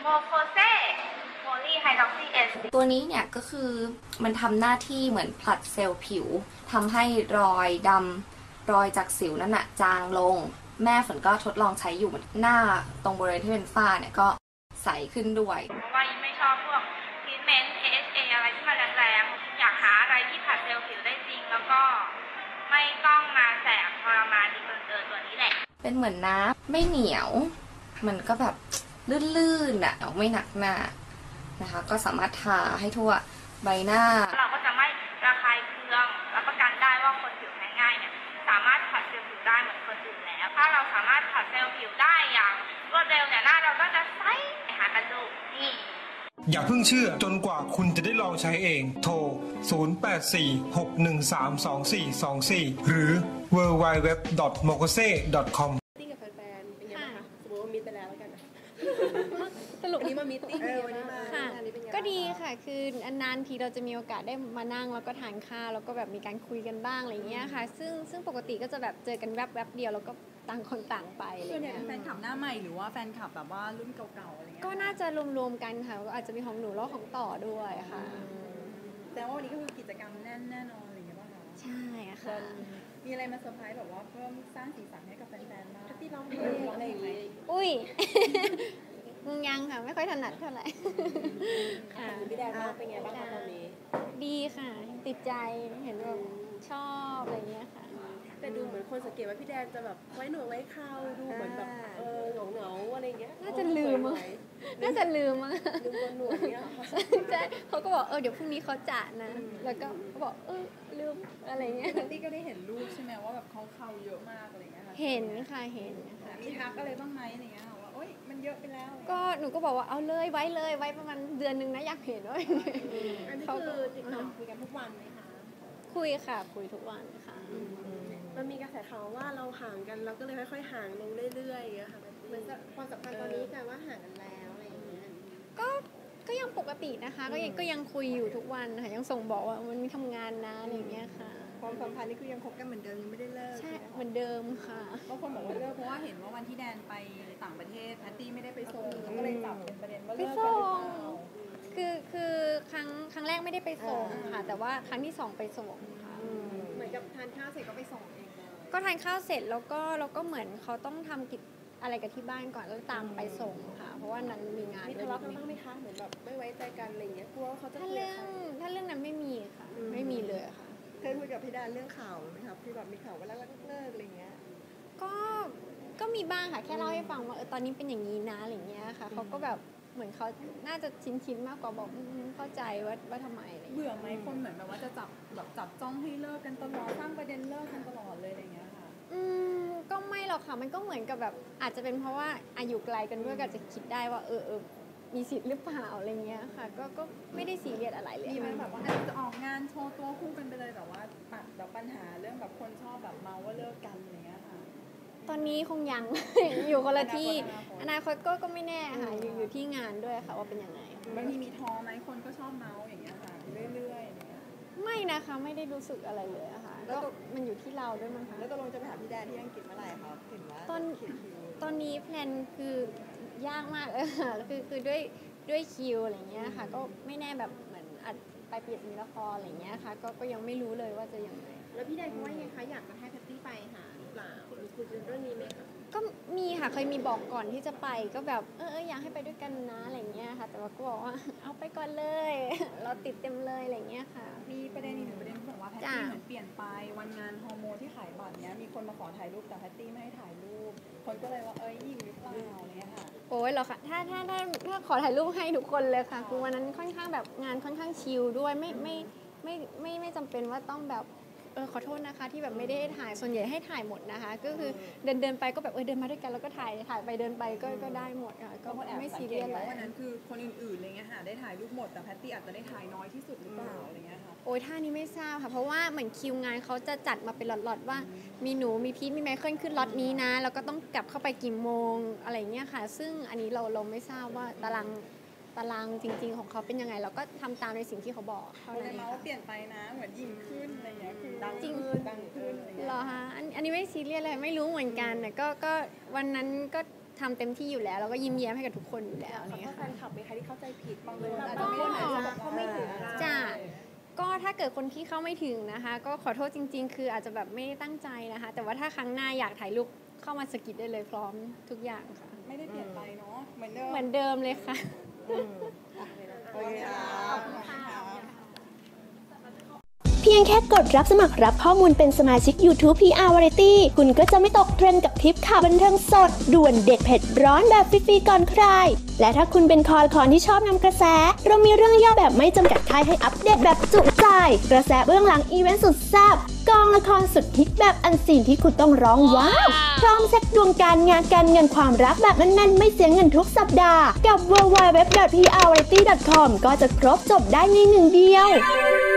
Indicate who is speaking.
Speaker 1: โมโคเซโพลีไฮดรอกซีเอส
Speaker 2: ตัวนี้เนี่ยก็คือมันทำหน้าที่เหมือนผลัดเซลล์ผิวทำให้รอยดำรอยจากสิวนั่นน่ะจางลงแม่ฝนก็ทดลองใช้อยู่หน้าตรงบริเวณที่เป็นฝ้าเนี่ยก็ใสขึ้นด้วย
Speaker 1: เพราะว่ายิ่งไม่ชอบพวกทรีทเมนต์ AHA อะไรที่มันแรงๆอยากหาอะไรที่ผลัดเซลล์ผิวได้จริงแล้วก็ไม่ต้องมาแสบทรมานดีเกินตัวนี้แหละ
Speaker 2: เป็นเหมือนน้ำไม่เหนียวมันก็แบบลื่นๆอ่ะไม่หนักหน้านะคะก็สามารถทาให้ทั่วใบหน้า
Speaker 1: เราก็จะไม่ระคายเคืองรับประกันได้ว่าคนผิวแพ้ง่ายเนี่ยสามารถผัดเซลล์ผิวได้เหมือนคนอื่นแล้วถ้าเราสามารถผัดเซลล์ผิวได้อย่างรวดเร็วเนี่ยหน้าเราก็จะใสหากันดูนี่
Speaker 3: อย่าเพิ่งเชื่อจนกว่าคุณจะได้ลองใช้เองโทร 0846132424 หรือ www.mokose.com
Speaker 4: ติ้งกับแฟนๆเป็นไงบ้างคะสมมติว่ามิตไปแล้วกัน
Speaker 5: สรุป
Speaker 4: วันนี้มามิตติ้งวันนี้มา
Speaker 5: ค่ะก็ดีค่ะคือนานๆทีเราจะมีโอกาสได้มานั่งแล้วก็ทานข้าวแล้วก็แบบมีการคุยกันบ้างอะไรเงี้ยค่ะซึ่งปกติก็จะแบบเจอกันแวบๆเดียวแล้วก็ต่างคนต่างไป
Speaker 6: ส่วนใหญ่เป็นแฟนคลับหน้าใหม่หรือว่าแฟนคลับแบบว่ารุ่นเก่าๆอะไรเงี้ย
Speaker 5: ก็น่าจะรวมๆกันค่ะก็อาจจะมีของหนูแล้วของต่อด้วยค่ะ
Speaker 6: แต่ว่าวันนี้ก็คือกิจกรรมแน่นอนอะไรเงี้ยป่ะคะ
Speaker 5: ใช่ค่ะ
Speaker 6: มีอะไรมาเซอร์ไพรส์แบบว่าเพิ่มสร้างสีสันให้กับแฟนๆบ้าง
Speaker 4: ที่ร้องเพลงอะไรอย่างเงี้ย
Speaker 5: อุ้ยยังค่ะไม่ค่อยถนัดเท่าไหร่
Speaker 4: พี่แดนเป็นไงบ้างตอนนี้
Speaker 5: ดีค่ะติดใจเห็นแบบชอบอะไรเงี้ยค่ะ
Speaker 4: แต่ดูเหมือนคนสังเกตว่าพี่แดนจะแบบไว้หนวดไว้เคราดูเหมือนแบบเหงาอะไรเงี้ย
Speaker 5: น่าจะลืมมั้งลืม
Speaker 4: ตัวหนวดเนี่ย
Speaker 5: ใช่เขาก็บอกเดี๋ยวพรุ่งนี้เขาจะนะแล้วก็เขาบอกลืมอะไรเงี้ย
Speaker 6: ตี้ก็ได้เห็นรูปใช่ไหมว่าแบบเขาเคราเยอะมากอะไรเงี้ยค่ะ
Speaker 5: เห็นค่ะเห็นค่ะ
Speaker 6: มีทักอะไรบ้างไหมอะไรเงี้ยว่าโอ๊ยมันเยอะไปแล้ว
Speaker 5: ก็หนูก็บอกว่าเอาเลยไว้ประมาณเดือนนึงนะอยากเห็นด้วย
Speaker 4: อันนี้คือติดต่อคุยกันทุกวันไหมคะ
Speaker 5: คุยค่ะคุยทุกวันค่ะ
Speaker 4: มันมีกระแสข่าวว่าเราห่างกันเราก็เลยค่อยๆห่างลงเรื่อยๆค่ะเหมือนความสัมพันธ์ตอนนี้กลายว่าห่างกันแล้วอะไรอย่างเงี้ย
Speaker 5: ก็ยังปกตินะคะก็ยังคุยอยู่ทุกวันค่ะยังส่งบอกว่ามันมีทำงานนะอะไรอย่างเงี้ยค่ะ
Speaker 4: ความสัมพันธ์นี่คือยังคบกันเหมือนเดิมยังไม่ได้เลิก
Speaker 5: ใช่เหมือนเดิมค่ะ
Speaker 6: บางคนบอกว่าเลิกเพราะว่าเห็นว่าวันที่แดนไปต่างประเทศแพตตี้ไม่ได้ไปส่งก็เลยจับเป็นประเด็นว่าเลิกกันหรือเปล่า
Speaker 5: คือครั้งแรกไม่ได้ไปส่งค่ะแต่ว่าครั้งที่2ไปส่งค่ะ
Speaker 4: เหมือนกับทานข้าวเสร็จก็ไปส่งเอง
Speaker 5: ก็ทานข้าวเสร็จแล้วก็เหมือนเขาต้องทำกิจอะไรกับที่บ้านก่อนแล้วตามไปส่งค่ะเพราะว่านั้นมีงาน
Speaker 4: มีทะเลาะกันบ้างไหมคะเหมือนแบบไม่ไว้ใจกันอะไรอย่างเงี้ยกลัวเขาจะ
Speaker 5: ถ้าเรื่องนั้นไม่มีค่ะไม่มีเลยค่ะ
Speaker 4: เคยคุยกับพี่ดาเรื่องข่าวไหมครับที่แบบมีข่าวว่าแล้วเลิกอะไรเงี้ย
Speaker 5: ก็มีบ้างค่ะแค่เล่าให้ฟังว่าตอนนี้เป็นอย่างนี้นะอะไรเงี้ยค่ะเขาก็แบบเหมือนเขาน่าจะชินมากกว่าบอกเข้าใจว่าทำไม
Speaker 6: เบื่อไหมคนเหมือนแบบว่าจะจับจ้องให้เลิกกันตลอดสร้างประเด็นเลิกกันตลอดเลยอะไรเงี้ยค่ะ
Speaker 5: ก็ไม่หรอกค่ะมันก็เหมือนกับแบบอาจจะเป็นเพราะว่าอายุไกลกันด้วยก็จะคิดได้ว่ามีสิทธิ์หรือเปล่าอะไรเงี้ยค่ะก็ไม่ได้ซีเรียสอะไรเลย
Speaker 6: มีไหมแบบว่าจะออกงานโชว์ตัวคู่กันไปเลยแบบว่าแบบปัญหาเรื่องแบบคนชอบแบบเมาว่าเลิกกันอะไรเงี้ยค่ะ
Speaker 5: ตอนนี้คงยัง อยู่คนละที่อนาคตก็ไม่แน่ค่ะอยู่ที่งานด้วยค่ะว่าเป็นยังไง
Speaker 6: บางทีมีท้อไหมคนก็ชอบเมาอย่างเงี้ยค่ะเรื่อยๆอย่างเงี้ย
Speaker 5: ไม่นะคะไม่ได้รู้สึกอะไรเลยอะค่ะก็มันอยู่ที่เราด้วยมั้งคะ
Speaker 4: แล้วตกลงจะไปหาพี่แดนที่อังกฤษเมื่อไหร่คะเห็นว่า
Speaker 5: ตอนนี้แพลนคือยากมากเลยค่ะคือด้วยคิวอะไรเงี้ยค่ะก็ไม่แน่แบบเหมือนอัดไปเปลี่ยนมีละครอะไรเงี้ยค่ะก็ยังไม่รู้เลยว่าจะยังไง
Speaker 4: แล้วพี่แดนเขาว่ายังไงคะอยากจะให้แพตตี้ไปหาหรือเปล่าหรือคุยเรื่องนี้ไหมคะ
Speaker 5: ก็มีค่ะเคยมีบอกก่อนที่จะไปก็แบบอยากให้ไปด้วยกันนะอะไรเงี้ยค่ะแต่ว่าก็บอกว่าเอาไปก่อนเลยเราติดเต็มเลยอะไรเงี้ยค่ะ
Speaker 6: มีประเด็นอีกหนึ่งประเด็นที่บอกว่าแพตตี้เหมือนเปลี่ยนไปวันงานฮอร์โมนที่ขายบัตรเนี้ยมีคนมาขอถ่ายรูปแต่แพตตี้ไม่ให้ถ่ายรูปคนก็เลยว่ายิงหรือเปล่าอะไรเงี้ยค่ะ
Speaker 5: โอ้ยเหรอคะถ้าขอถ่ายรูปให้ทุกคนเลยค่ะคือวันนั้นค่อนข้างแบบงานค่อนข้างชิลด้วยไม่จำเป็นว่าต้องแบบขอโทษนะคะที่แบบไม่ได้ถ่ายส่วนใหญ่ให้ถ่ายหมดนะคะก็คือเดินไปก็แบบเดินมาด้วยกันแล้วก็ถ่ายไปเดินไปก็ได้หมดค่ะก็ไม่ซีเรียสเลย
Speaker 6: วันนั้นคือคนอื่นๆอะไรเงี้ยค่ะได้ถ่ายรูปหมดแต่แพตตี้อาจจะได้ถ่ายน้อยที่สุดหรือเปล่าอะไรเงี้ยค่ะ
Speaker 5: โอ้ยท่านี้ไม่ทราบค่ะเพราะว่าเหมือนคิวงานเขาจะจัดมาเป็นล็อตๆว่ามีหนูมีพีทมีไมเคิลขึ้นล็อตนี้นะแล้วก็ต้องกลับเข้าไปกี่โมงอะไรเงี้ยค่ะซึ่งอันนี้เราไม่ทราบว่าตารางจริงๆของเขาเป็นยังไงเราก็ทำตามในสิ่งที่เขาบอก
Speaker 6: เขาเลยมาว่าเปลี่ยนไปนะเหมือนยิ่งขึ้นอะไรเงี้ยคือดังขึ้น
Speaker 5: เหรอคะอันนี้ไม่ซีเรียสเลยไม่รู้เหมือนกันแต่ก็วันนั้นก็ทำเต็มที่อยู่แล้วแล้วก็ยิ้มแย้มให้กับทุกคนอยู่แล้วอะไร
Speaker 6: ขอ
Speaker 5: เงี้
Speaker 6: โทษ
Speaker 5: ย
Speaker 6: แฟ
Speaker 5: ค่ะ
Speaker 6: นคลับไหมคะที่เข้าใจผิดบางคนอาจจะไม่ได้หมายความว่าเขาไม่ถึง
Speaker 5: จ้าก็ถ้าเกิดคนที่เข้าไม่ถึงนะคะ ก็ขอโทษจริง ๆ คืออาจจะแบบไม่ได้ตั้งใจนะคะ แต่ว่าถ้าครั้งหน้าอยากถ่ายรูปเข้ามาสกิดได้เลยพร้อมทุกอย่างค่ะ
Speaker 6: ไม่ได้เปลี่ยนไปเนาะเหมือนเดิม
Speaker 5: เหมือนเดิมเลยค่ะ
Speaker 6: โอเคค่ะ
Speaker 7: เพียงแค่กดรับสมัครรับข้อมูลเป็นสมาชิก YouTube PR Variety คุณก็จะไม่ตกเทรนด์กับทริปข่าวบันเทิงสด ด่วนเด็ดเผ็ดร้อนแบบฟรีๆก่อนใคร และถ้าคุณเป็นคอที่ชอบนำกระแส เรามีเรื่องย่อแบบไม่จำกัดท้ายให้อัปเดตแบบจุใจ กระแสเบื้องหลังอีเวนต์สุดแซ่บกองละครสุดฮิตแบบอันซีนที่คุณต้องร้องว้าวพร้อมเช็คดวงการงานการเงินความรักแบบแน่นๆไม่เสียเงินทุกสัปดาห์กับ www.prvariety.com ก็จะครบจบได้ในหนึ่งเดียว